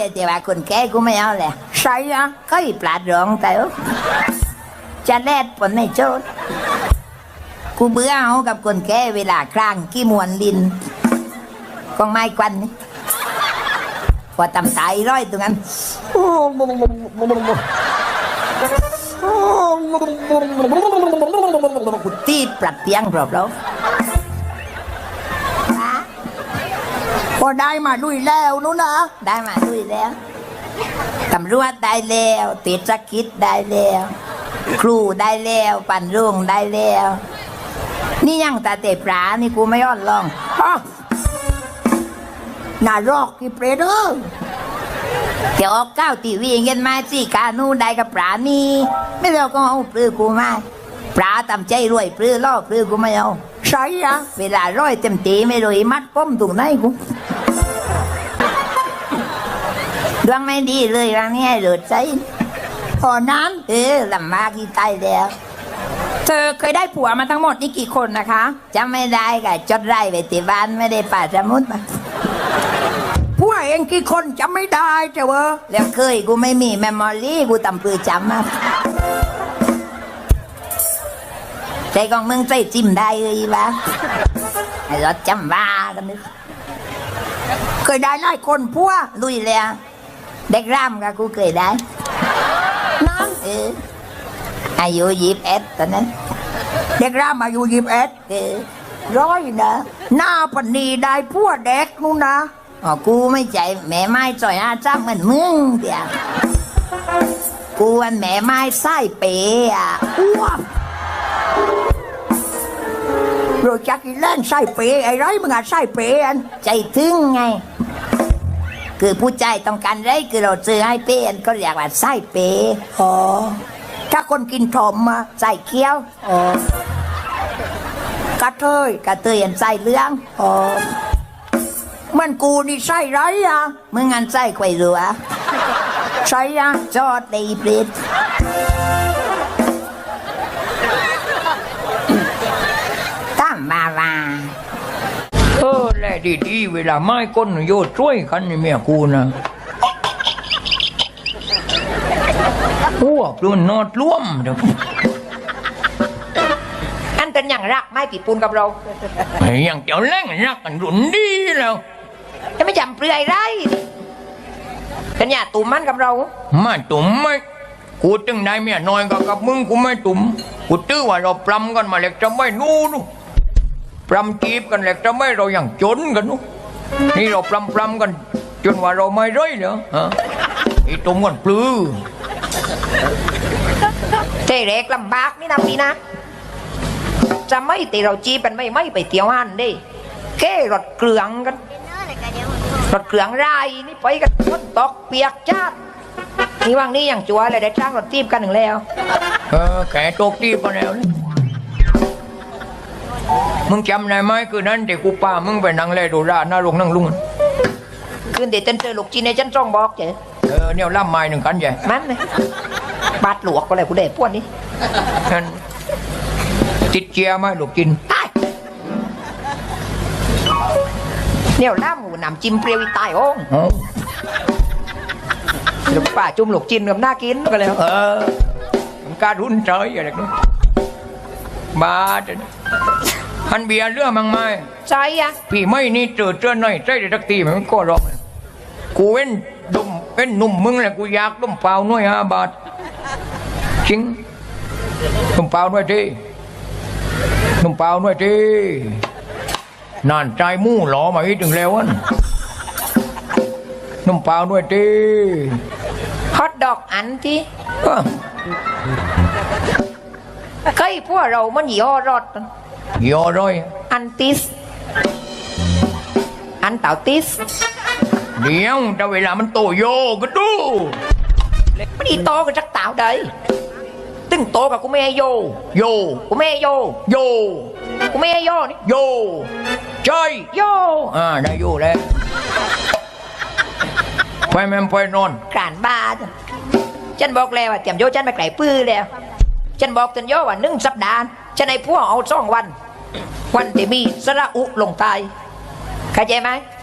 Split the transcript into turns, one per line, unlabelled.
แต่ว่าคนแก่กูไม่เอาแหละใช่อะก็อีปลาดรองแต่จะแลดผลในโจทย์กูเบื่อเอากับคนแก่เวลาครั้งขี้มวนลินกองไม้ควันนี่พอตำตายร้อยตรงนั้นกูตีปรับเตียงปรับแล้วพอได้มาลุยแล้วนู้นนะได้มาลุยแล้วตำรวจได้แล้วเทศกิจได้แล้วครูได้แล้วปั่นรุ่งได้แล้วนี่ยังตาเตะปลานี่กูไม่ยอดลองน่ารอกกี่เปรตเออเดี๋ยวออกก้าวทีวีเงินมาสิกานูได้กับปลานี่ไม่เราก็เอาปลื้กูมาปลาตำใจรวยปลื้ล่อปลื้กูไม่เอาใช่อะเวลาร้อยเต็มตีไม่รวยมัดป้อมตรงไหนกูดวงไม่ดีเลยวันนี้หลุดใจพอน้ำลำบากที่ตายแล้วเธอเคยได้ผัวมาทั้งหมดนี่กี่คนนะคะจำไม่ได้ค่ะจดไร่ไปที่บ้านไม่ได้ป่าสมุดมาผัวเองกี่คนจำไม่ได้เจ้าเวอแล้วเคยกูไม่มีเมมโมรี่กูตำปือจำมาใจของมึงใจจิ้มได้เลยวะไอ้รถจำบ้ากันนึกเคยได้หลายคนผัวลุยแล้วเด็กร่ำกับกูเคยได้น้องอายุ21ตอนนั้นเด็กร่ำอายุ21ร้อยนะหน้าปนีได้ผัวเด็กนู่นนะอ๋อกูไม่ใจแม่ไม้จ่อยอาจ้างเหมือนมึงเดียวกูอันแม่ไม้ไส้เป๋อะอ้วกโรจักอีเล่นไส้เป๋ไอ้ไรมึงอะไส้เป๋อันใจถึงไงคือผู้ใจต้องการไรคือเราซื้อให้เป๋อันก็เรียกว่าไส้เป๋อ๋อถ้าคนกินถมมาใส่เคี้ยวอ๋อกระเทยอันใส่เลี้ยงอ๋อมันกูนี่ใส่ไรอ่ะมึงอันใส่ไข่รัวใส่อ่ะจอดเลยเปรตตั้มมาว่า
แลดีๆเวลาไม้ก้นโยดช่วยกันนี่เมียกูนะพวกรุ่นนอดร่วมเดี๋ยว
อันเป็นอย่างรักไม่ปีปูนกับเรา
อย่างเจ้าแรงรักกันรุ่นดีแล้ว
จะไม่จำเปลือยไรเป็นอย่างตุ่มมันกับเรา
ไม่ตุ่มไม่กูจึงได้เมียน้อยกับมึงกูไม่ตุ่มกูตื้อว่าเราปรำกันมาเล็กจะไม่นู่นปรำจีบกันเล็กจะไม่เราอย่างจนกันนู่นนี่เราปรำกันจนว่าเราไม่ร้อยเหรอฮะอีตุ่มกันปลื้อ
เจ๊เล็กลำบากนี่นะพี่นะจะไม่ตีเราจีเป็นไม่ไปเที่ยวหันดิแค่รถเกลืองกันรถเกลืองไรนี่ไปกันฝนตกเปียกจ้านี่ว่างนี่อย่างจัวเลยได้จ้างรถจีบกันหนึ่งแล้ว
แกตกจีบกันแล้วมึงจำได้ไหมคือนั้นเด็กกูป้ามึงไปนั่งเล่ดูราหน้าโรงนั่งลุง
คืนเด็กเต้นเจอลูกจีนในจันจ้องบอกเจ๊
เนี่ยล่ำไม้หนึ่งกันใหญ่
มันเลยบาดหลวกก็เลยกูเด็กพวกนี้
ติดเจียไหมลูกกิน
เนี่ยล่ำหมูหนำจิ้มเปรี้ยวตายโอ้ลูกป่าจุ่มลูกจินกับหน้ากินก็เลย
มันการรุ่นเฉยอะไรนู้นบ้าจังฮันเบียร์เรื่องมั้งไหม
ใช่อะ
พี่ไม่นี่เจอหน่อยใจเด็กตีมันก็ร้องกูเว้นดุมเป็นหนุ่มมึงแหละกูอยากดุมเปล่าหน่วย5 บาทจริงดุมเปล่าหน่วยทีดุมเปล่าหน่วยทีนานใจมู่หล่อมาอีกถึงแล้วอันดุมเปล่าหน่วยที
ฮอตดอกอันที่ใครพวกเรามันย่อรอด
ย่อร้อย
อันติสอันเต่าติส
เดี๋ยวแต่เวลามันโตโยก็ดู
ไม่ได้โตกับจักเต่าใดตึงโตกับกูไม่ให้โยกูไม่ให้โยกูไม่ให้โยนี่
โยใช่
โย
ได้โยแล้วไปแม่ไปนอน
กลานบ้าฉันบอกแล้วว่าเตรียมโยฉันไปไกลปื้อแล้วฉันบอกตันโยว่า1 สัปดาห์ฉันให้พวกเอา2 วันที่มีสระอุลงตายเข้าใจไหม